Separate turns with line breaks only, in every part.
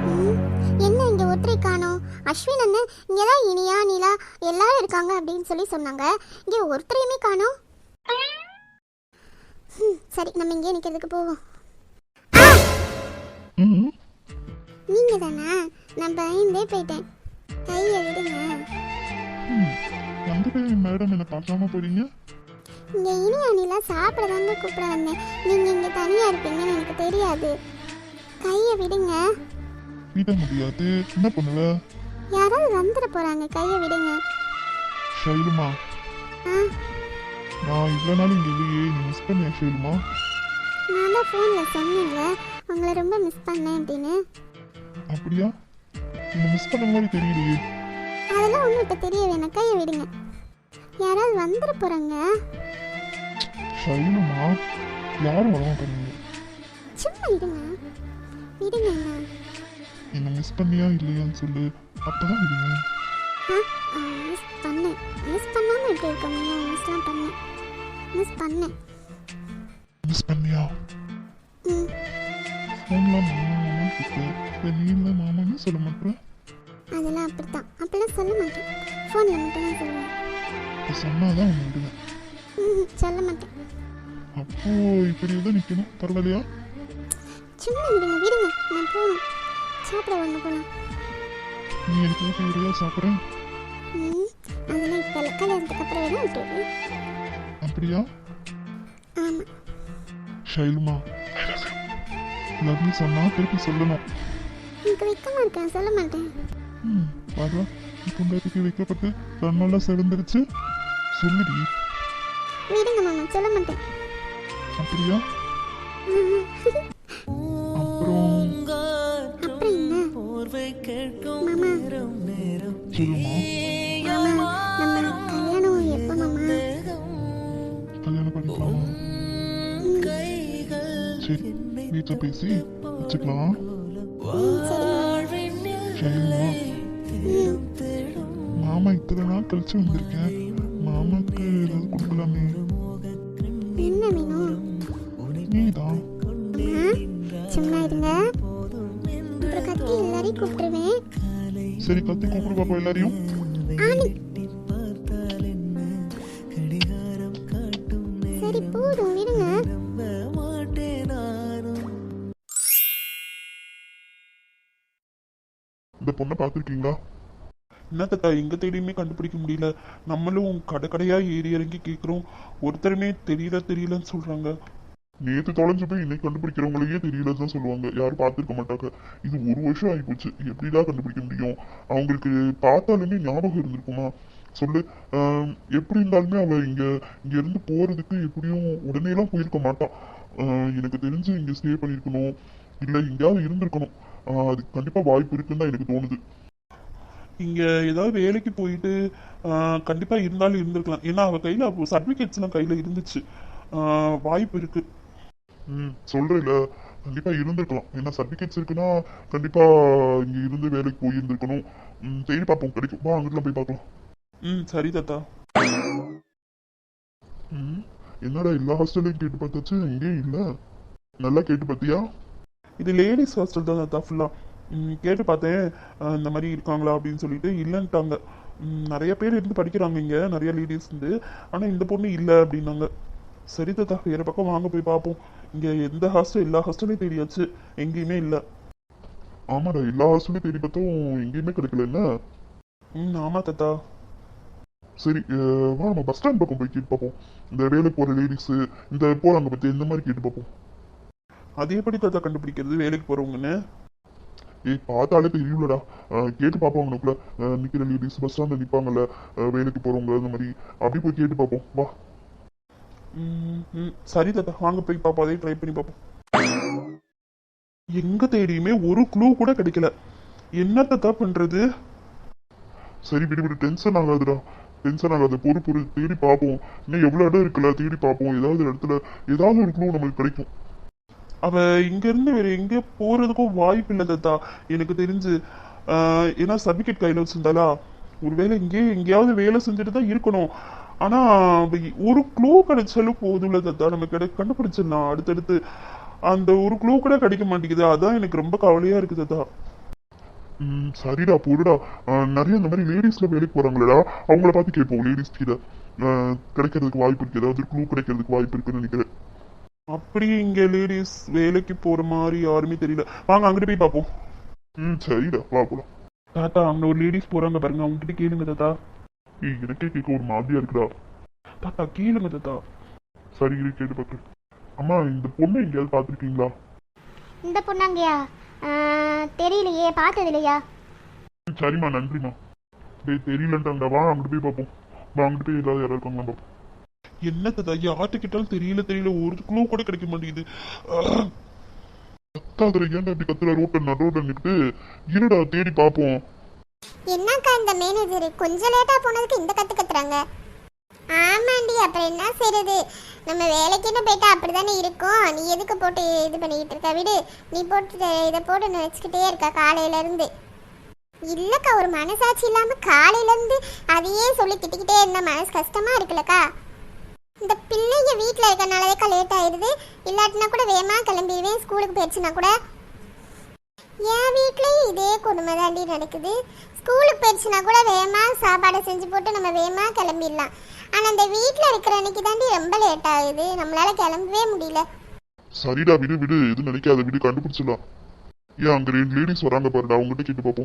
ம், என்ன இங்க ஒற்றை காணோம்? அஸ்வின் அண்ணன் இங்கே தான் இனியா நிலா எல்லாரும் இருக்காங்க அப்படின்னு சொல்லி சொன்னாங்க. இங்கே ஒருத்தரையுமே காணோம். சரி, நம்ம இங்கே நிற்கிறதுக்கு போவோம்.
ம்
நீங்க தானே? நான் பயந்தே போயிட்டேன். கையை விடுங்க.
ம். வந்துட்டு மேடம் என்ன பார்க்காம போறீங்க?
இங்க இனியா நிலா சாப்பிட தாங்க கூப்பிட வந்தேன். நீங்க இங்க தனியா இருப்பீங்கன்னு எனக்கு தெரியாது. கையை விடுங்க.
விட முடியாது. என்ன பண்ணுவ?
யாராவது வந்துட போறாங்க. கையை விடுங்க.
ஷைலுமா,
ஆ,
நான் இவ்வளோ நாள் இங்கே இல்லையே, நீ மிஸ் பண்ணியா ஷைலுமா?
நான் தான் ஃபோன்ல சொன்னேன்ல உங்களை ரொம்ப மிஸ் பண்ணேன் அப்படின்னு.
அப்படியா? நீ மிஸ் பண்ண மாதிரி தெரியலையே.
அதெல்லாம் ஒன்றும் இப்போ தெரிய வேணாம். கையை விடுங்க. யாராவது வந்துட போறாங்க.
ஷைலுமா, யாரும் வர மாட்டாங்க.
சும்மா விடுங்க. விடுங்க அண்ணா.
என்ன மிஸ் பண்ணியா இல்லையான்னு சொல்லு, அப்பதான் விடுங்க.
மிஸ் பண்ணேன். மிஸ் பண்ணாமல் எப்படி இருக்க முடியும்? மிஸ்லாம் பண்ணேன். மிஸ் பண்ணேன்.
மிஸ் பண்ணியா?
ம்,
ஃபோன்லாம் மாமா மாமான்னு கூப்பிட்டு வெளியில் மாமான்னு சொல்ல மாட்டேன்.
அதெல்லாம் அப்படித்தான். அப்படிலாம் சொல்ல மாட்டேன். ஃபோனில் மட்டும் தான் சொல்லுவேன்.
இப்போ சொன்னாதான் உன்னை விடுவேன்.
சொல்ல மாட்டேன்.
அப்போ இப்படி தான் நிற்கணும், பரவாயில்லையா?
சும்மா விடுங்க. விடுங்க. நான் போகணும். சாப்பிட ஒன்று போகலாம்.
நீ எனக்கு ஊட்டி விடையா சாப்பிட்றேன்?
அதெல்லாம் இப்போ இல்லை. கல்யாணத்துக்கு அப்புறம் வேணா விட்டுருவேன்.
அப்படியா?
ஆமாம்.
ஷைலுமா, லவ்லி சொன்னா திருப்பி சொல்லணும்.
எனக்கு வெக்கமாக இருக்கேன். சொல்ல மாட்டேன்.
பாரு, பொண்டாட்டிக்கு வைக்கப்பட்டு கண்ணெல்லாம் சிறந்துருச்சு. சொல்லுடி.
விடுங்க மாமா. சொல்ல மாட்டேன்.
அப்படியா?
ம்.
அப்புறம்
அப்புறம் என்ன மாமா?
சொல்லுமா,
மாமா, நம்ம கல்யாணம் எப்போ மாமா?
கல்யாணம் பண்ணிக்கலாமா? சரி, வீட்டில் பேசி வச்சுக்கலாம்.
சரி
ஷைலுமா, மாமா இத்தனை நாள் கழிச்சு வந்திருக்கேன். மாமாக்கு ஏதாவது கொடுக்கலாமே.
என்ன வேணும்?
நீதான்.
சும்மா இருங்க. அப்புறம் கத்தி எல்லாரையும் கூப்பிட்டுருவேன்.
சரி, கத்தி கூப்பிடு பாப்பா எல்லாரையும்.
ஆனி. சரி போதும். விடுங்க.
இந்த பொண்ணை பார்த்துருக்கீங்களா?
என்னத்தா எங்க தேடியுமே கண்டுபிடிக்க முடியல. நம்மளும் கடை கடையா ஏறி இறங்கி கேட்குறோம். ஒருத்தருமே தெரியலன்னு சொல்றாங்க.
நேற்று தொலைஞ்சு போய் இன்னைக்கு கண்டுபிடிக்கிறவங்களையே தெரியலன்னு தான் சொல்லுவாங்க. யாரும் பார்த்துருக்க மாட்டாங்க. இது 1 வருஷம் ஆகிப்போச்சு. எப்படிதான் கண்டுபிடிக்க முடியும்? அவங்களுக்கு பார்த்தாலுமே ஞாபகம் இருந்திருக்குமா சொல்லு? எப்படி இருந்தாலுமே அவ இங்க இருந்து போறதுக்கு எப்படியும் உடனேலாம் போயிருக்க மாட்டான். எனக்கு தெரிஞ்சு இங்க ஸ்டே பண்ணியிருக்கணும், இல்லை எங்கேயாவது இருந்திருக்கணும். அதுக்கு கண்டிப்பா வாய்ப்பு இருக்குன்னு தான் எனக்கு தோணுது.
இங்க ஏதாவது வேலைக்கு போயிட்டு கண்டிப்பா இருந்தாலும் இருந்திருக்கலாம். ஏன்னா அவ கையில சர்டிபிகேட்ஸ் எல்லாம் கையில இருந்துச்சு. வாய்ப்பு இருக்கு.
சொல்றேன்ல, கண்டிப்பா இருந்திருக்கலாம். ஏன்னா சர்டிபிகேட்ஸ் இருக்குன்னா கண்டிப்பா இங்க இருந்து வேலைக்கு போய் இருந்திருக்கணும். தேடி பார்ப்போம், கிடைக்கும். வா, அங்கிட்டலாம் போய் பார்க்கலாம்.
சரி தாத்தா.
என்னடா எல்லா ஹாஸ்டல்லையும் கேட்டு பார்த்தாச்சு, எங்கேயும் இல்லை. நல்லா கேட்டு பார்த்தியா?
இது லேடிஸ் ஹாஸ்டல் தான் தாத்தா ஃபுல்லா. கேட்டு பார்த்தேன் இந்த மாதிரி இருக்காங்களா அப்படின்னு சொல்லிட்டு இல்லைன்ட்டாங்க. நிறைய பேர் இருந்து படிக்கிறாங்க இங்க, நிறைய லேடிஸ் இருந்து. ஆனா இந்த பொண்ணு இல்லை அப்படின்னாங்க. சரி தாத்தா, வேற பக்கம் வாங்க போய் பார்ப்போம். இங்க எந்த ஹாஸ்டல், எல்லா ஹாஸ்டலையும் தேடியாச்சு, எங்கேயுமே இல்லை.
ஆமாடா, எல்லா ஹாஸ்டலையும் தேடி பார்த்தோம், எங்கேயுமே கிடைக்கல. என்ன?
ஆமா தாத்தா.
சரி, வா நம்ம பஸ் ஸ்டாண்ட் பக்கம் போய் கேட்டு பார்ப்போம். இந்த வேலைக்கு போற லேடிஸ் இந்த போறாங்க பத்தி இந்த மாதிரி கேட்டு பார்ப்போம்.
அது எப்படி தாத்தா கண்டுபிடிக்கிறது வேலைக்கு போறவங்கன்னு?
பார்த்தாலே தெரியும்லடா. கேட்டு பார்ப்போம். அவனுக்குள்ள நிக்கிற லேடிஸ் பஸ் ஸ்டாண்ட்ல நிப்பாங்கல்ல, வேலைக்கு போறவங்க அந்த மாதிரி, அப்படி போய் கேட்டு பார்ப்போம். வா.
சரி தாத்தா, வாங்க போய் பார்ப்போம். அதையும் ட்ரை பண்ணி பார்ப்போம். எங்க தேடியுமே ஒரு க்ளூ கூட கிடைக்கல. என்ன தாத்தா பண்றது?
சரி, விடு, டென்ஷன் ஆகாதுடா. டென்ஷன் ஆகாது. பொறு தேடி பார்ப்போம். இன்னும் எவ்வளவு இடம் இருக்குல்ல, தேடி பார்ப்போம். ஏதாவது இடத்துல ஏதாவது ஒரு க்ளூ நம்மளுக்கு கிடைக்கும்.
அவ இங்க இருந்து வேற எங்க போறதுக்கும் வாய்ப்பு இல்லை தாத்தா எனக்கு தெரிஞ்சு. ஏன்னா சர்டிபிகேட் கையில வச்சிருந்தாலா, ஒருவேளை எங்கேயாவது வேலை செஞ்சுட்டு தான் இருக்கணும். ஆனா ஒரு க்ளூ கிடைச்சாலும் போதும்ல தாத்தா, நம்ம கண்டுபிடிச்சிடலாம் அடுத்தடுத்து. அந்த ஒரு க்ளூ கூட கிடைக்க மாட்டேங்குது. அதான் எனக்கு ரொம்ப கவலையா இருக்கு தாத்தா.
சரிடா போடுடா. நிறைய இந்த மாதிரி லேடிஸ்ல வேலைக்கு போறாங்களடா, அவங்கள பார்த்து கேட்போம். லேடிஸ் கிட்ட கிடைக்கிறதுக்கு வாய்ப்பு இருக்கு, ஏதாவது க்ளூ கிடைக்கிறதுக்கு வாய்ப்பு இருக்குன்னு நினைக்கிறேன்.
அப்படி இங்க லேடிஸ் வேலைக்கு போற மாதிரி யாருமே தெரியல. வாங்க அங்கிட்டு போய் பார்ப்போம்.
சரிடா வா போலாம்.
தாத்தா அங்க ஒரு லேடிஸ் போறாங்க பாருங்க, அவங்க கிட்ட கேளுங்க தாத்தா.
எனக்கே கேட்க ஒரு மாதிரியா இருக்குடா.
தாத்தா கேளுங்க தாத்தா.
சரி இரு கேட்டு பார்க்குறேன். அம்மா இந்த பொண்ணை எங்கேயாவது பார்த்துருக்கீங்களா?
இந்த பொண்ணாங்கய்யா தெரியலையே, பார்த்தது இல்லையா?
சரிம்மா நன்றிம்மா. தெரியலன்ட்டாங்கடா, வா அங்கிட்டு போய் பார்ப்போம். வா அங்கிட்டு போய் ஏதாவது யாராவது இருக்காங்களா பார்ப்போம்.
என்ன தாத்தா யார்கிட்ட கேட்டாலும் தெரியல ஒரு க்ளூ கூட கிடைக்க மாட்டேங்குது.
கத்தாதுல ஏன்டா இப்படி கத்துற? ரோட்ல நின்று இருடா தேடி பார்ப்போம்.
என்னக்கா இந்த மேனேஜர் கொஞ்சம் லேட்டா போனதுக்கு இந்த கத்து கத்துறாங்க? ஆமாண்டி, அப்புறம் என்ன செய்யறது, நம்ம வேலைக்குன்னு போயிட்டா அப்படிதானே இருக்கும். நீ எதுக்கு போட்டு இது பண்ணிக்கிட்டு இருக்க, விடு. நீ போட்டு இதை போட்டு வச்சுக்கிட்டே இருக்கா காலையில இருந்து. இல்லக்கா, ஒரு மனசாட்சி இல்லாம காலையில இருந்து அதையே சொல்லி திட்டிக்கிட்டே இருந்தா மனசு கஷ்டமா இருக்குல்லக்கா. இந்த பிள்ளைங்க வீட்டில் இருக்கனாலதேக்கா லேட் ஆயிடுது. இல்லாட்டினா கூட வேகமா கிளம்பிடுவேன் ஸ்கூலுக்கு போயிடுச்சுன்னா கூட. என் வீட்லேயும் இதே கொடுமை தாண்டி நடக்குது. ஸ்கூலுக்கு போயிடுச்சுன்னா கூட வேகமா சாப்பாடை செஞ்சு போட்டு நம்ம வேகமா கிளம்பிடலாம். ஆனால் அந்த வீட்டில் இருக்கிற அன்னைக்கு தாண்டி ரொம்ப லேட் ஆகுது, நம்மளால கிளம்பவே முடியல.
சரிடா விடு விடு, எதுவும் நினைக்காத, விடு கண்டுபிடிச்சிடலாம். ஏன் அங்க 2 லேடிஸ் வராங்க பாருடா, அவங்ககிட்ட கேட்டு பார்ப்போம்.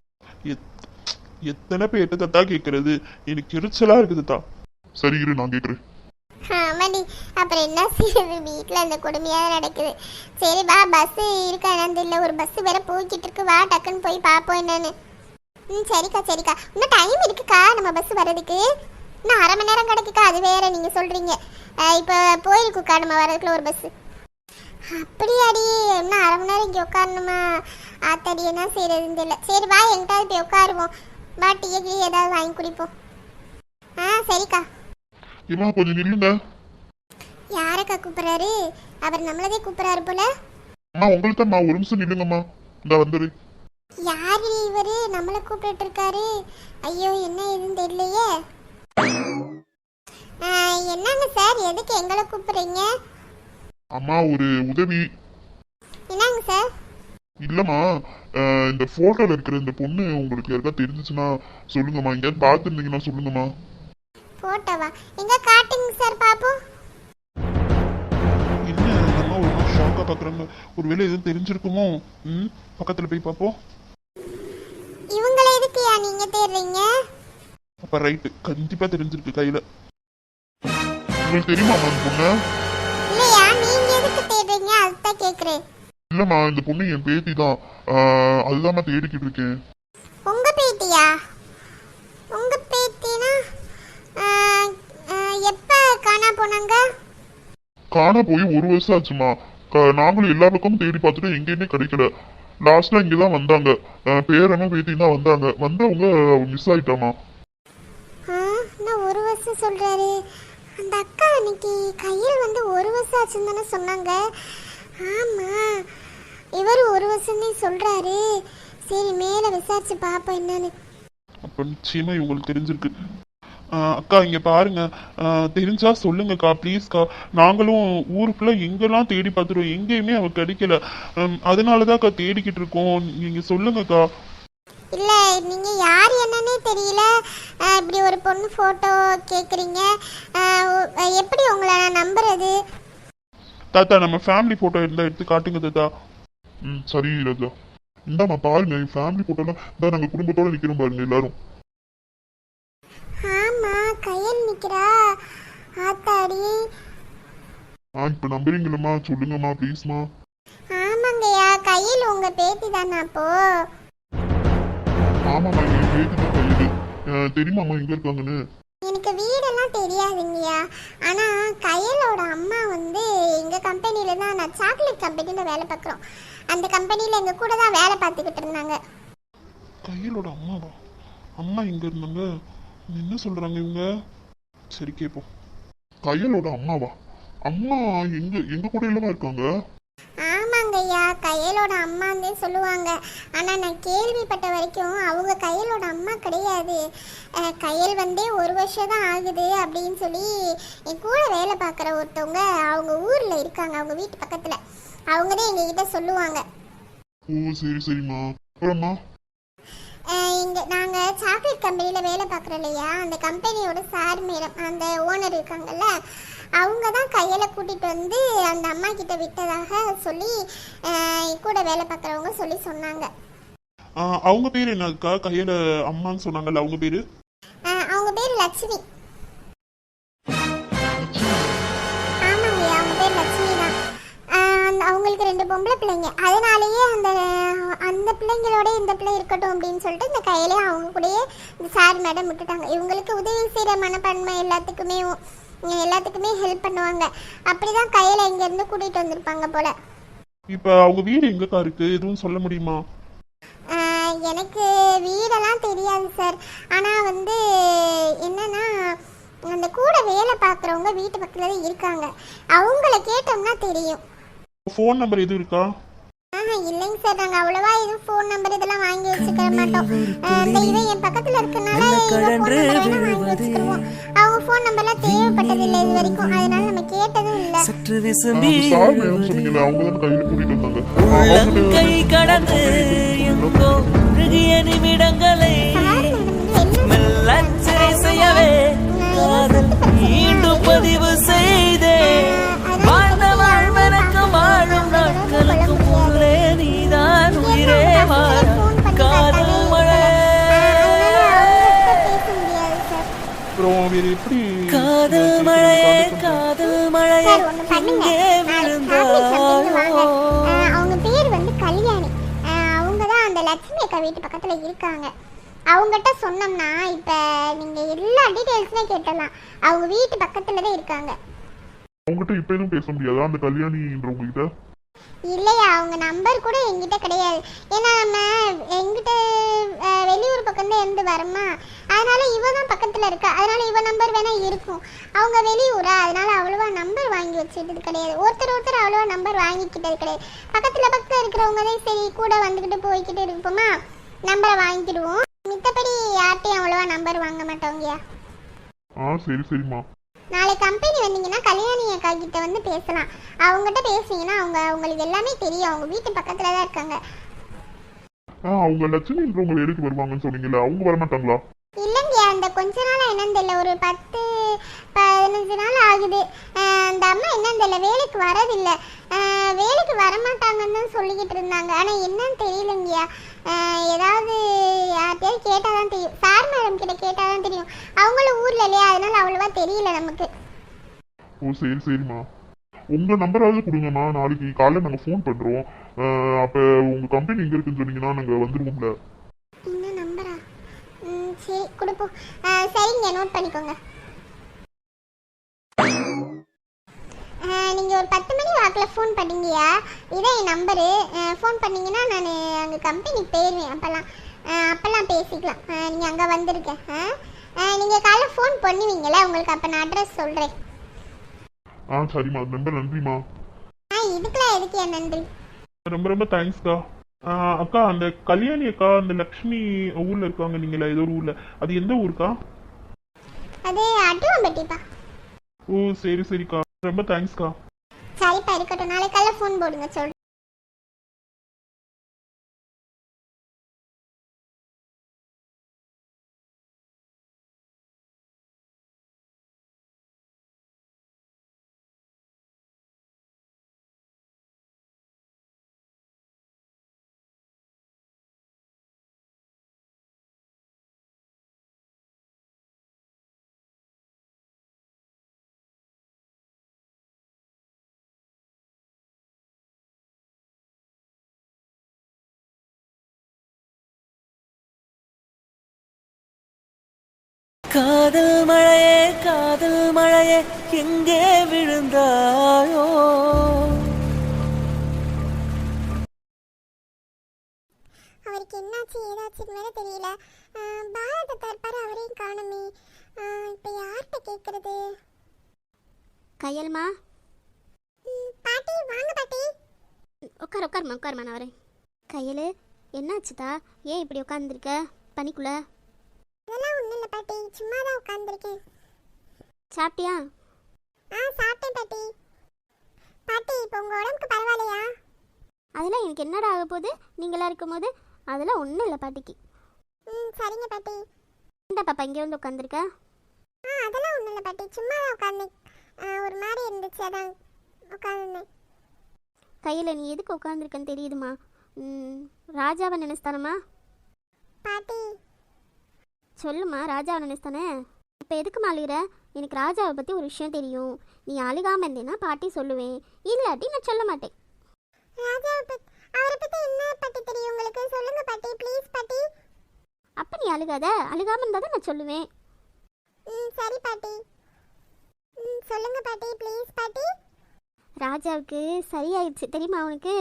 எத்தனை பேர்ட்ட தாத்தா கேட்கறது, எனக்கு எரிச்சலா இருக்குது தாத்தா.
சரி இரு நான் கேட்குறேன்.
ஆமாடி, அப்புறம் என்ன செய்யுது, வீட்டில் அந்த கொடுமையாக நடக்குது. சரி வா, பஸ் இருக்கா என்னன்னு தெரியல, ஒரு பஸ் வேற போய்கிட்டு இருக்கு, வா டக்குன்னு போய் பார்ப்போம் என்னன்னு. சரிக்கா சரிக்கா, இன்னும் டைம் இருக்குக்கா நம்ம பஸ் வர்றதுக்கு. இன்னும் 1/2 மணி நேரம் கிடைக்குக்கா, அது வேற நீங்க சொல்றீங்க. இப்போ போயிருக்குக்கா நம்ம வர்றதுக்குள்ள ஒரு பஸ். அப்படியாடி, இன்னும் 1/2 மணி நேரம் இங்கே உட்காரணுமா? ஆத்தாடி என்ன செய்யறதுன்னு தெரியல. சரி வா எங்கிட்டாவது போய் உட்காருவோம், வா டீ ஏதாவது வாங்கி குடிப்போம். சரிக்கா.
ஏமா கொஞ்சம் நில்லுங்க.
யாரக்கா கூப்பிடுறாரு? அவர் நம்மளதே கூப்பிடுறாரு போல.
அம்மா உங்களுக்கு தான், ஒரு நிமிஷம் நில்லுங்கம்மா, இந்த வந்துரு.
யாரு இவரு நம்மள கூப்பிட்டு இருக்காரு? ஐயோ என்ன ஏதுன்னு தெரியலையே. என்னங்க சார், எதுக்கு எங்களை கூப்பிடுறீங்க?
அம்மா ஒரு உதவி.
என்னங்க சார்?
இல்லம்மா, இந்த போட்டோல இருக்கிற இந்த பொண்ணு உங்களுக்கு யாருக்கா தெரிஞ்சிச்சுன்னா சொல்லுங்கம்மா, எங்கேயாவது பார்த்துருந்தீங்கன்னா சொல்லுங்கம்மா.
போட்டோவா? எங்க காட்டுங்க சார் பாப்போம்.
என்ன நம்ம ஒரு மாதிரி ஷாக்கா பாக்குறாங்க, ஒருவேளை எதுவும் தெரிஞ்சிருக்குமோ? பக்கத்துல போய் பார்ப்போம்.
இவங்கள எதுக்குயா நீங்க தேடுறீங்க?
அப்ப ரைட்டு, கண்டிப்பா தெரிஞ்சிருக்கு கையில.
உங்களுக்கு தெரியுமா அந்த பொண்ணு?
இல்லையா, நீங்க எதுக்கு தேடுறீங்க அதுதான் கேக்குறேன்.
இல்லம்மா இந்த பொண்ணு என் பேத்தி தான், அதுதான் நான் தேடிக்கிட்டு இருக்கேன்.
உங்க பேத்தியா? உங்க பேத்தினா எப்ப காணா போனாங்க?
காணா போய் 1 வருஷம் ஆச்சுமா. நாங்களும் எல்லா பக்கமும் தேடி பார்த்துட்டு எங்கேயுமே கிடைக்கல. லாஸ்ட்ல இங்கதான் வந்தாங்க, பேரனும் பேத்தி தான் வந்தாங்க. வந்தவங்க மிஸ் ஆயிட்டாமா.
நான் 1 வருஷம் சொல்றாரு. அந்த அக்கா அன்னைக்கு கையில் வந்து 1 வருஷம் ஆச்சுன்னு தானே சொன்னாங்க. ஆமா, இவர் 1 வருஷம்னே சொல்றாரு. சரி மேல விசாரிச்சு பாப்போம் என்னன்னு.
அப்ப நிச்சயமா இவங்களுக்கு தெரிஞ்சிருக்கு. அக்கா இங்க பாருங்க, தெரிஞ்சா சொல்லுங்கக்கா ப்ளீஸ்க்கா. நாங்களும் ஊருக்குள்ள எங்கெல்லாம் தேடி பார்த்துருவோம், எங்கேயுமே அவ கிடைக்கல. அதனாலதான் அக்கா தேடிக்கிட்டு இருக்கோம், நீங்க சொல்லுங்கக்கா.
இல்ல நீங்க யார் என்னன்னே தெரியல, இப்படி ஒரு பொண்ணு போட்டோ கேக்குறீங்க, எப்படி உங்களை நான் நம்புறது?
தாத்தா நம்ம ஃபேமிலி போட்டோ இருந்தா எடுத்து காட்டுங்க தாத்தா.
சரி ராஜா, இந்தாம்மா பாருங்க, என் ஃபேமிலி போட்டோலாம் தான், நாங்க குடும்பத்தோட நிக்கிறோம் பாருங்க எல்லாரும்.
ஆமா கையில் நிக்கிறா ஆத்தாடி.
இப்ப நம்புறீங்களம்மா, சொல்லுங்கம்மா ப்ளீஸ்மா.
ஆமாங்கய்யா, கையில் உங்க பேத்தி தானே அப்போ?
ஆமாம்மா என் பேத்தி தான் கையில். தெரியுமாம்மா எங்க இருக்காங்கன்னு?
எனக்கு வீடெல்லாம் தெரியாதுங்கய்யா, ஆனா கையலோட அம்மா வந்து எங்க கம்பெனில தான், நான் சாக்லேட் கம்பெனில வேலை பார்க்குறோம், அந்த கம்பெனில எங்க கூட தான் வேலை பார்த்துக்கிட்டு இருந்தாங்க.
கையிலோட அம்மாவா? அம்மா எங்க இருந்தாங்க? என்ன சொல்றாங்க இவங்க? சரி கேப்போம்.
கையலோட அம்மாவா? அம்மா எங்க எங்க கூட இல்லவா இருக்காங்க?
ஆமாங்கய்யா, கையலோட அம்மாந்தே சொல்லுவாங்க. ஆனா நான் கேள்விப்பட்ட வரைக்கும் அவங்க கையலோட அம்மா கிடையாது. கையல் வந்து 1 வருஷம் தான் ஆகுது அப்படின்னு சொல்லி என் கூட வேலை பார்க்குற ஒருத்தவங்க அவங்க ஊர்ல இருக்காங்க, அவங்க வீட்டு பக்கத்துல. அவங்க தான் எங்ககிட்ட சொல்லுவாங்க.
ஓ சரி சரிம்மா. அப்புறம்மா
இங்கே நாங்கள் சாக்லேட் கம்பெனியில் வேலை பார்க்குறோம் இல்லையா, அந்த கம்பெனியோட சார் மேடம், அந்த ஓனர் இருக்காங்கல்ல, அவங்க தான் கையில் கூட்டிகிட்டு வந்து அந்த அம்மா கிட்ட விட்டதாக சொல்லி கூட வேலை பார்க்குறவங்க சொல்லி சொன்னாங்க.
அவங்க பேர் என்னக்கா? கையில் அம்மான்னு சொன்னாங்கல்ல, அவங்க பேர்?
அவங்க பேர் லட்சுமி. ஆமாங்க, அவங்க பேர் லட்சுமி தான். அவங்களுக்கு 2 பொம்பளை பிள்ளைங்க, அதனாலேயே அந்த பிள்ளைங்களோட இந்த பிள்ளை இருக்கட்டும் அப்படின்னு சொல்லிட்டு இந்த கையிலே அவங்க கூடயே இந்த சார் மேடம் விட்டுட்டாங்க. இவங்களுக்கு உதவி செய்கிற மனப்பான்மை எல்லாத்துக்குமே ஹெல்ப் பண்ணுவாங்க. அப்படிதான் கையில் இங்கேருந்து கூட்டிகிட்டு வந்திருப்பாங்க போல.
இப்போ அவங்க வீடு எங்கக்கா இருக்கு, எதுவும் சொல்ல முடியுமா?
எனக்கு வீடெல்லாம் தெரியாது சார். ஆனால் என்னன்னா அந்த கூட வேலை பார்க்குறவங்க வீட்டு பக்கத்தில் தான் இருக்காங்க, அவங்கள கேட்டோம்னா தெரியும்.
ஃபோன் நம்பர் எதுவும் இருக்கா?
இல்லைங்க சார், நாங்கள் அவ்வளவா எதுவும் ஃபோன் நம்பர் இதெல்லாம் வாங்கி வச்சுக்க மாட்டோம். அந்த இவன் என் பக்கத்தில் இருக்கனால வாங்கி வச்சுக்குவோம். அவங்க ஃபோன் நம்பர்லாம் தேவைப்பட்டது இல்லை இது வரைக்கும், அதனால நம்ம கேட்டதும் இல்லை.
சார் மேடம் சொன்னீங்கல்ல, அவங்க தான் கையில கூட்டிட்டு வந்தாங்க.
கை கடந்து எங்கோ உருகிய நிமிடங்களை மெல்லச்சை செய்யவே காதல் மீண்டும் பதிவு செய்தே வாழ்ந்த வாழ்வனுக்கு வாழும் நாட்களுக்கு போலே நீதான் உயிரே வாழ காதல் மழை.
அப்புறம் வேறு எப்படி?
காதல் மழையே காதல் மழையே எங்கே விழுந்தாயோ.
அவங்க பேர் கல்யாணி. அவங்க தான் அந்த லட்சுமி அக்கா வீட்டு பக்கத்துல இருக்காங்க. அவங்ககிட்ட சொன்னோம்னா இப்ப நீங்க எல்லா டீடைல்ஸுமே கேட்டலாம். அவங்க வீட்டு பக்கத்துல தான் இருக்காங்க.
அவங்ககிட்ட இப்ப எதுவும் பேச முடியாதா அந்த கல்யாணின்றவங்க கிட்ட?
இல்லையா, அவங்க நம்பர் கூட எங்கிட்ட கிடையாது. ஏன்னா நம்ம எங்கிட்ட வெளியூர் பக்கம் தான் இருந்து வரமா, அதனால இவ தான் பக்கத்துல இருக்கா, அதனால இவ நம்பர் வேணா இருக்கும். அவங்க வெளியூரா, அதனால அவ்வளவா நம்பர் வாங்கி வச்சுக்கிட்டது கிடையாது. ஒருத்தர் அவ்வளவா நம்பர் வாங்கிக்கிட்டது கிடையாது. பக்கத்துல இருக்கிறவங்க தான் சரி கூட வந்துக்கிட்டு போய்கிட்டு இருப்போமா, நம்பரை வாங்கிக்கிடுவோம். மித்தபடி யார்ட்டையும் அவ்வளவா நம்பர் வாங்க மாட்டோங்கயா.
சரி சரிம்மா.
நாளை கம்பெனி வந்தீங்கன்னா கல்யாணி அக்கா கிட்ட பேசலாம். அவங்ககிட்ட பேசுனீங்கன்னா உங்களுக்கு எல்லாமே தெரியும். அவங்க வீட்டு பக்கத்துல தான் இருக்காங்க.
அவங்க லட்சுமின்றவங்க வேலைக்கு வருவாங்கன்னு சொன்னீங்கல்ல, அவங்க வர மாட்டாங்களா?
இல்லைங்க, அந்த கொஞ்ச நாள் என்னன்னு தெரியல, ஒரு 10-15 நாள் ஆகுது. அந்த அம்மா என்னன்னு தெரியல, வேலைக்கு வரதில்லை. வேலைக்கு வரமாட்டாங்கன்னு தான் சொல்லிக்கிட்டு இருந்தாங்க. ஆனால் என்னன்னு தெரியலங்கய்யா. ஏதாவது யார்கிட்டயாவது கேட்டால் தான் தெரியும். சார் மேடம் கிட்ட கேட்டால் தான் தெரியும். அவங்களும் ஊரில் இல்லையா, அதனால அவ்வளோவா தெரியல நமக்கு.
சரி சரிம்மா. உங்க நம்பராவது கொடுங்கம்மா, நாளைக்கு காலையில் நாங்கள் ஃபோன் பண்ணுறோம். அப்போ உங்க கம்பெனி எங்கே இருக்குன்னு சொன்னீங்கன்னா நாங்கள் வந்துடுவோம்ல.
என்ன நம்பரா? சரி கொடுப்போம். சரிங்க, நோட் பண்ணிக்கோங்க. நீங்கள் ஒரு 10 மணி வாக்கில் ஃபோன் பண்ணீங்கயா, இதான் என் நம்பரு. ஃபோன் பண்ணிங்கன்னா நான் அங்கே கம்பெனிக்கு போயிடுவேன். அப்போல்லாம் பேசிக்கலாம். நீங்கள் அங்கே வந்திருக்கேன். நீங்கள் காலைல ஃபோன் பண்ணுவீங்களே, உங்களுக்கு அப்போ நான் அட்ரஸ் சொல்கிறேன்.
சரிம்மா, ரொம்ப நன்றிம்மா.
இதுக்கெல்லாம் எதுக்கு என் நன்றி?
ரொம்ப ரொம்ப தேங்க்ஸ்க்கா. அக்கா, அந்த கல்யாணி அக்கா அந்த லக்ஷ்மி ஊர்ல இருக்காங்க நீங்களா, ஏதோ ஒரு ஊர்ல, அது எந்த ஊருக்கா?
அது அட்டுவம்பட்டிப்பா.
சரி சரிக்கா, ரொம்ப தேங்க்ஸ்க்கா.
சரிப்பா, இருக்கட்டும். நாளைக்கு காலைல ஃபோன் போடுங்க சொல்கிறேன்.
காதல் மழையே எங்கே விழுந்தாயோ.
அவருக்கு என்னாச்சு ஏதாச்சுன்னு வேற தெரியல. பாரதத்தை இருப்பாரு, அவரையும் காணுமே. இப்போ யார்கிட்ட கேட்கறது?
கையல்மா,
பாட்டி வாங்க பாட்டி.
உட்காருமா நான் வரேன். கையல், என்னாச்சுதா? ஏன் இப்படி உட்காந்துருக்க பனிக்குள்ள?
அதெல்லாம் ஒன்றும் இல்லை பாட்டி, சும்மா தான் உட்காந்துருக்கேன்.
சாப்பிட்டியா?
சாப்பிட்டேன் பாட்டி. பாட்டி, இப்போ உங்கள் உடம்புக்கு பரவாயில்லையா?
அதெல்லாம் எனக்கு என்னடா ஆக போகுது நீங்களாம் இருக்கும்போது? அதெல்லாம் ஒன்றும் இல்லை பாட்டிக்கு.
ம் சரிங்க பாட்டி.
என்ன பாப்பா இங்கே வந்து உட்காந்துருக்க?
அதெல்லாம் ஒன்றும் இல்லை பாட்டி, சும்மா தான் உட்காந்தேன். ஒரு மாதிரி இருந்துச்சு, அதான் உட்காந்துருந்தேன்.
கையில் நீ எதுக்கு உட்காந்துருக்கன்னு தெரியுதுமா? ராஜாவை நினைச்தானம்மா?
பாட்டி
சொல்லுமா, ராஜாவை நினைச்தானே? இப்போ எதுக்குமா அழுகிற? எனக்கு ராஜாவை பற்றி ஒரு விஷயம் தெரியும். நீ அழுகாமல் இருந்தேன்னா பாட்டி சொல்லுவேன், இல்லாட்டி நான் சொல்ல மாட்டேன்.
அவரை பற்றி என்ன பாட்டி தெரியும் உங்களுக்கு? சொல்லுங்க பாட்டி, ப்ளீஸ் பாட்டி.
அப்போ நீ அழுகாத, அழுகாமல் இருந்தால் தான் நான் சொல்லுவேன்.
சரி பாட்டி. சொல்லுங்க பாட்டி, ப்ளீஸ் பாட்டி.
ராஜாவுக்கு சரியாயிடுச்சு தெரியுமா உனக்கு?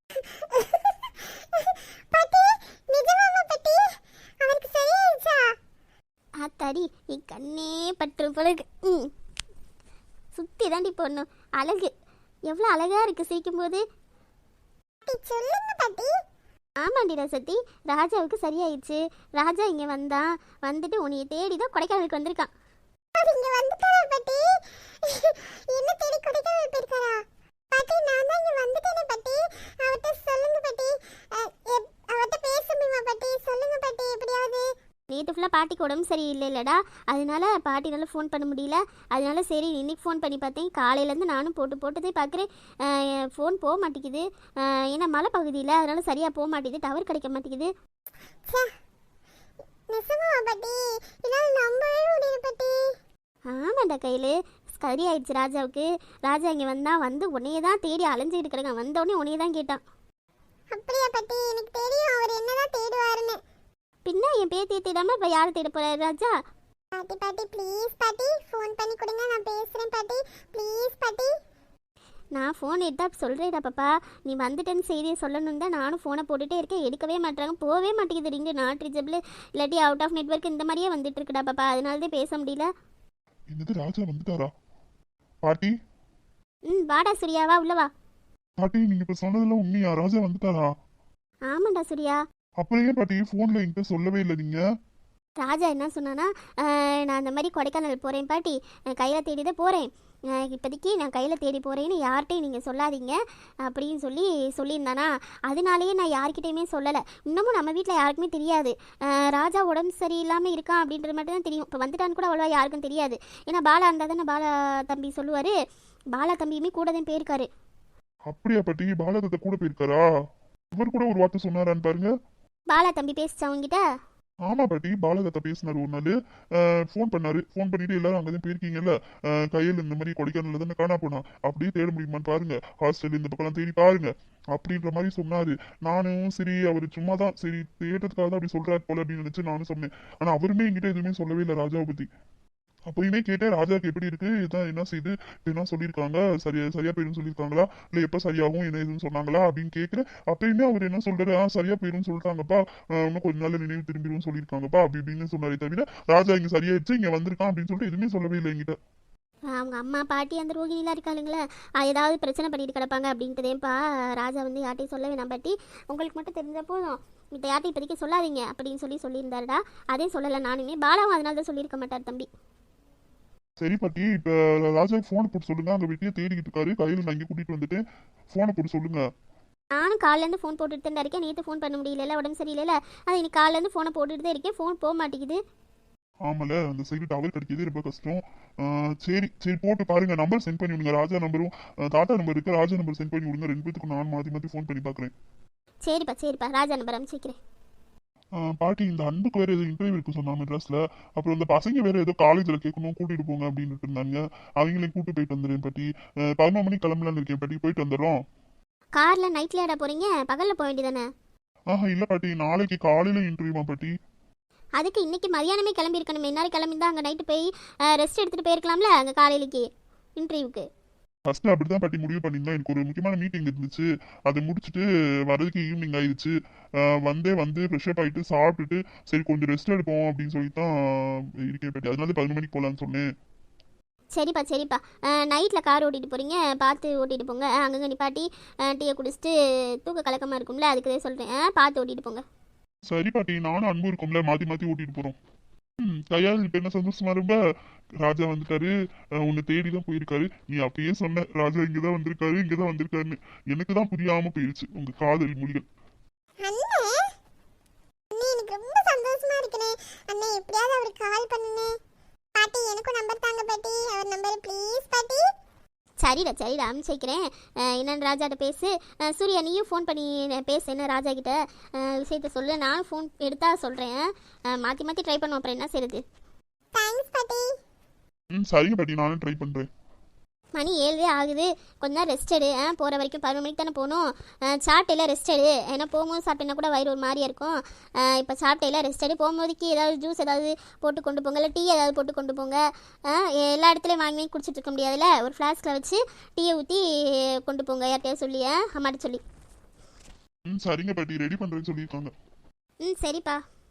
பாட்டி நிஜமாமா பாட்டி? அவருக்கு சரியாயிடுச்சா?
ஆத்தாடி நீ கண்ணே பற்று போலக்கு. சுற்றி தாண்டி போடணும். அழகு எவ்வளோ அழகாக இருக்குது சிரிக்கும்போது.
பாட்டி சொல்லுங்க பாட்டி.
ஆமாண்டி ரசத்தி, ராஜாவுக்கு சரியாயிடுச்சு. ராஜா இங்கே வந்தான், வந்துட்டு உன்னைய தேடி தான் கொடைக்கானலுக்கு வந்திருக்கான்.
இங்க வந்துட்டாரா பாட்டி? என்ன தேடி கொடைக்கானல் போயிருக்காரா? பாட்டி நான் தான் இங்க வந்துட்டேனே பாட்டி. அவர்கிட்ட சொல்லுங்க பாட்டி. அவர்கிட்ட பேச முடியுமா பாட்டி? சொல்லுங்க பாட்டி எப்படியாவது.
நேற்று ஃபுல்லாக பாட்டிக்கு உடம்பு சரியில்லைல்லடா, அதனால பாட்டினால ஃபோன் பண்ண முடியல. அதனால சரி இன்னைக்கு ஃபோன் பண்ணி பார்த்தேன். காலையிலேருந்து நானும் போட்டதே பார்க்குறேன். ஃபோன் போக மாட்டேங்குது. ஏன்னா மலை பகுதியில், அதனால சரியாக போக மாட்டேங்குது, டவர் கிடைக்க மாட்டேங்குது.
நிஜமாவா பாட்டி? என்னால் நம்பவே முடியல பாட்டி.
ஆமாண்டா கையில் சரி ஆயிடுச்சு ராஜாவுக்கு. ராஜா இங்கே வந்து உன்னையே தான் தேடி அலைஞ்சிட்டு இருக்கிறாங்க. வந்தோடனே உன்னையே தான் கேட்டான்.
அப்படியா பாட்டி? எனக்கு தெரியும் அவர் என்னதான் தேடுவாருன்னு.
பின்ன என் பேத்தியை தேடாமல் இப்போ யாரை தேட போகிறாரு ராஜா?
பாட்டி பாட்டி ப்ளீஸ் பாட்டி, ஃபோன் பண்ணி கொடுங்க, நான் பேசுகிறேன் பாட்டி, ப்ளீஸ் பாட்டி.
நான் ஃபோன் எடுத்தா சொல்கிறேடா பாப்பா, நீ வந்துட்டேன்னு செய்தியை சொல்லணும் தான் நானும் ஃபோனை போட்டுகிட்டே இருக்கேன். எடுக்கவே மாட்டாங்க, போகவே மாட்டேங்குது ரிங்கு. நாட் ரீச்சபிள் இல்லாட்டி அவுட் ஆஃப் நெட்வொர்க் இந்த மாதிரியே வந்துட்டு இருக்குடா பாப்பா, அதனால தான் பேச முடியல.
என்னது ராஜா வந்துட்டாரா? பாட்டி
வாடா சூர்யா, வா உள்ள வா.
பாட்டி நீங்க இப்ப சொன்னதெல்லாம் உண்மையா? ராஜா வந்துட்டாரா?
ஆமாண்டா சூர்யா.
அப்புறம் ஏன் பாட்டி போன்ல என்கிட்ட சொல்லவே இல்லை நீங்க?
ராஜா என்ன சொன்னான்னா, நான் அந்த மாதிரி கொடைக்கானல் போகிறேன் பாட்டி, கையில் தேடி தான் போகிறேன். இப்போதைக்கு நான் கையில் தேடி போகிறேன்னு யார்கிட்டையும் நீங்கள் சொல்லாதீங்க அப்படின்னு சொல்லியிருந்தானா, அதனாலேயே நான் யார்கிட்டையுமே சொல்லலை. இன்னமும் நம்ம வீட்டில் யாருக்குமே தெரியாது. ராஜா உடம்பு சரியில்லாமல் இருக்கான் அப்படின்றது மட்டும் தான் தெரியும். இப்போ வந்துட்டான்னு கூட அவ்வளோவா யாருக்கும் தெரியாது. ஏன்னா பாலா இருந்தால் தானே பாலா தம்பி சொல்லுவார். பாலா தம்பியுமே கூட தான் போயிருக்காரு.
அப்படியா பாட்டி? பாலகத்தை கூட போயிருக்காரா? இவர் கூட ஒரு வார்த்தை சொன்னாரான்னு பாருங்க.
பாலா தம்பி பேசிச்சா உங்ககிட்ட?
ஆமா பாட்டி, பாலகத்தை பேசினாரு ஒரு நாள். ஃபோன் பண்ணாரு. ஃபோன் பண்ணிட்டு எல்லாரும் அங்கதான் போயிருக்கீங்கல்ல, கையில் இந்த மாதிரி கொடைக்கானல்ல தானே காணா போனா, அப்படியே தேட முடியுமான்னு பாருங்க, ஹாஸ்டல் இந்த பக்கம் தேடி பாருங்க அப்படின்ற மாதிரி சொன்னாரு. நானும் சரி அவரு சும்மா தான் சரி தேடுறதுக்காக தான் அப்படி சொல்றாரு போல அப்படின்னு நினைச்சு நானும் சொன்னேன். ஆனா அவருமே என்கிட்ட எதுவுமே சொல்லவே இல்லை ராஜாவை பத்தி. அப்பயுமே கேட்டேன் ராஜாவுக்கு எப்படி இருக்கு, இதான் என்ன செய்து என்ன சொல்லியிருக்காங்க, சரியா போயிடும் சொல்லியிருக்காங்களா, இல்லை எப்போ சரியாகும் என்ன எதுன்னு சொன்னாங்களா அப்படின்னு கேட்குறேன். அப்பயுமே அவர் என்ன சொல்றாரு, சரியா போயிடும் சொல்லிட்டாங்கப்பா, இன்னும் கொஞ்ச நாள் நினைவு திரும்பிடும் சொல்லியிருக்காங்கப்பா அப்படி இப்படின்னு சொன்னாரே தவிர ராஜா இங்க சரியாயிடுச்சு இங்க வந்திருக்கான் அப்படின்னு சொல்லிட்டு எதுவுமே சொல்லவே இல்லை என்கிட்ட.
அவங்க அம்மா பாட்டி அந்த ரோகிணிலாம் இருக்காளுங்களே, ஏதாவது பிரச்சனை பண்ணிட்டு கிடப்பாங்க அப்படின்ட்டுதேப்பா ராஜா வந்து யார்ட்டையும் சொல்ல வேணாம் பாட்டி, உங்களுக்கு மட்டும் தெரிஞ்ச போதும், இந்த யார்ட்டையும் இப்போதைக்கு சொல்லாதீங்க அப்படின்னு சொல்லியிருந்தாருடா. அதே சொல்லலை நானுமே. பாலாவும் அதனால தான் சொல்லியிருக்க மாட்டார் தம்பி.
சரி பாட்டி, இப்ப ராஜாவுக்கு போனை போட்டு சொல்லுங்க, அங்க வீட்டையே தேடிக்கிட்டு இருக்காரு, கையில் நான் இங்கே கூட்டிட்டு வந்துட்டேன், போனை போட்டு சொல்லுங்க.
நானும் காலிலேருந்து ஃபோன் போட்டுட்டு தான் இருக்கேன். நேற்று ஃபோன் பண்ண முடியல, உடம்பு சரியில்லை. அது இன்னைக்கு காலிலேருந்து ஃபோனை போட்டுட்டு தான் இருக்கேன், ஃபோன் போக மாட்டேங்குது.
ஆமால, அந்த சைடு டவர் கிடைக்கிறது ரொம்ப கஷ்டம். சரி சரி போட்டு பாருங்க, நம்பர் சென்ட் பண்ணி விடுங்க. ராஜா நம்பரும் தாத்தா நம்பர் இருக்கு, ராஜா நம்பர் சென்ட் பண்ணி விடுங்க. 2 பேத்துக்கும் நான் மாற்றி ஃபோன் பண்ணி பார்க்குறேன்.
சரிப்பா ராஜா நம்பர் அனுப்பிச்சிக்கிறேன்.
பாட்டி இந்த அன்புக்கு வேற ஏதோ இன்டர்வியூ இருக்கு சொன்னா மெட்ராஸ்ல, அப்புறம் இந்த பசங்க வேற ஏதோ காலேஜ்ல கேட்கணும் கூட்டிட்டு போங்க அப்படின்னு இருந்தாங்க, அவங்களையும் கூட்டு போயிட்டு வந்துடுறேன் பாட்டி. 11 மணிக்கு கிளம்பலான்னு இருக்கேன் பாட்டி, போயிட்டு வந்துடுறோம்.
கார்ல நைட்ல ஏடா போறீங்க, பகல்ல போக வேண்டியதானே?
இல்ல பாட்டி, நாளைக்கு காலையில இன்டர்வியூமா பாட்டி.
அதுக்கு இன்னைக்கு மதியானமே கிளம்பி இருக்கணும். என்னாலும் கிளம்பிதான் அங்கே நைட்டு போய் ரெஸ்ட் எடுத்துட்டு போயிருக்கலாம்ல அங்கே காலையிலேக்கு இன்டர்வியூக்கு.
ஃபர்ஸ்ட் அப்படிதான் பாட்டி முடிவு பண்ணியிருந்தோம். எனக்கு ஒரு முக்கியமான மீட்டிங் இருந்துச்சு, அதை முடிச்சுட்டு வரதுக்கு ஈவினிங் ஆயிடுச்சு. வந்து ஃப்ரெஷ்அப் ஆகிட்டு சாப்பிட்டுட்டு சரி கொஞ்சம் ரெஸ்ட் எடுப்போம் அப்படின்னு சொல்லி தான் இருக்கேன் பாட்டி. அதனால 11 மணிக்கு போகலான்னு சொன்னேன்.
சரிப்பா நைட்டில் கார் ஓட்டிகிட்டு போகிறீங்க, பார்த்து ஓட்டிகிட்டு போங்க. அங்கங்கே நிப்பாட்டி டீயை குடிச்சிட்டு தூக்க கலக்கமாக இருக்கும்ல, அதுக்கு தான் சொல்கிறேன், பார்த்து ஓட்டிகிட்டு போங்க.
சரி பாட்டி, நானும் அன்பு இருக்கும்ல, மாற்றி ஓட்டிட்டு போகிறோம். கையால் இப்ப என்ன சந்தோஷமா ரொம்ப, ராஜா வந்துட்டாரு, உன்னை தேடிதான் போயிருக்காரு. நீ அப்பயே சொன்ன ராஜா இங்கதான் வந்திருக்காருன்னு. எனக்கு தான் புரியாம போயிருச்சு உங்க காதல் மொழிகள்.
எனக்கு ரொம்ப சந்தோஷமா எப்படியாவது அவருக்கு கால் பண்ணுனே. பாட்டி எனக்கும் நம்பர் தாங்க பாட்டி, அவர் நம்பர் ப்ளீஸ் பாட்டி.
சரிடா சரிடா அனுப்பிச்சு வைக்கிறேன். என்னன்னு ராஜாட்ட பேசு. சூர்யா நீயும் ஃபோன் பண்ணி பேசு, என்ன ராஜா கிட்ட விஷயத்த சொல்லு. நானும் ஃபோன் எடுத்தா சொல்கிறேன். மாற்றி மாற்றி ட்ரை பண்ணுவோம், அப்புறம் என்ன செய்யுது.
தேங்க்ஸ் பாட்டி.
சரிங்க பாட்டி, நானும் ட்ரை பண்றேன்.
மணி 7 ஆகுது, கொஞ்ச நேரம் ரெஸ்ட் எடு. போகிற வரைக்கும் 11 மணிக்கு தானே போகணும். சாப்பிட்டையில ரெஸ்ட் எடு. ஏன்னா போகும்போது சாப்பிட்டேன்னா கூட வயிறு ஒரு மாதிரியா இருக்கும். இப்போ சாப்பிட்டையில ரெஸ்ட் எடு. போகும்போதுக்கு ஏதாவது ஜூஸ் ஏதாவது போட்டு கொண்டு போங்க, இல்லை டீ ஏதாவது போட்டு கொண்டு போங்க. எல்லா இடத்துலையும் வாங்கி வாங்கி குடிச்சிட்டு இருக்க முடியாதுல்ல, ஒரு ஃப்ளாஸ்கில் வச்சு டீயை ஊற்றி கொண்டு போங்க, யார்கிட்டயாவது சொல்லி அம்மாட்ட சொல்லி.
சரிங்க பாட்டி, ரெடி பண்றேன்னு சொல்லியிருக்காங்க.
சரிப்பா.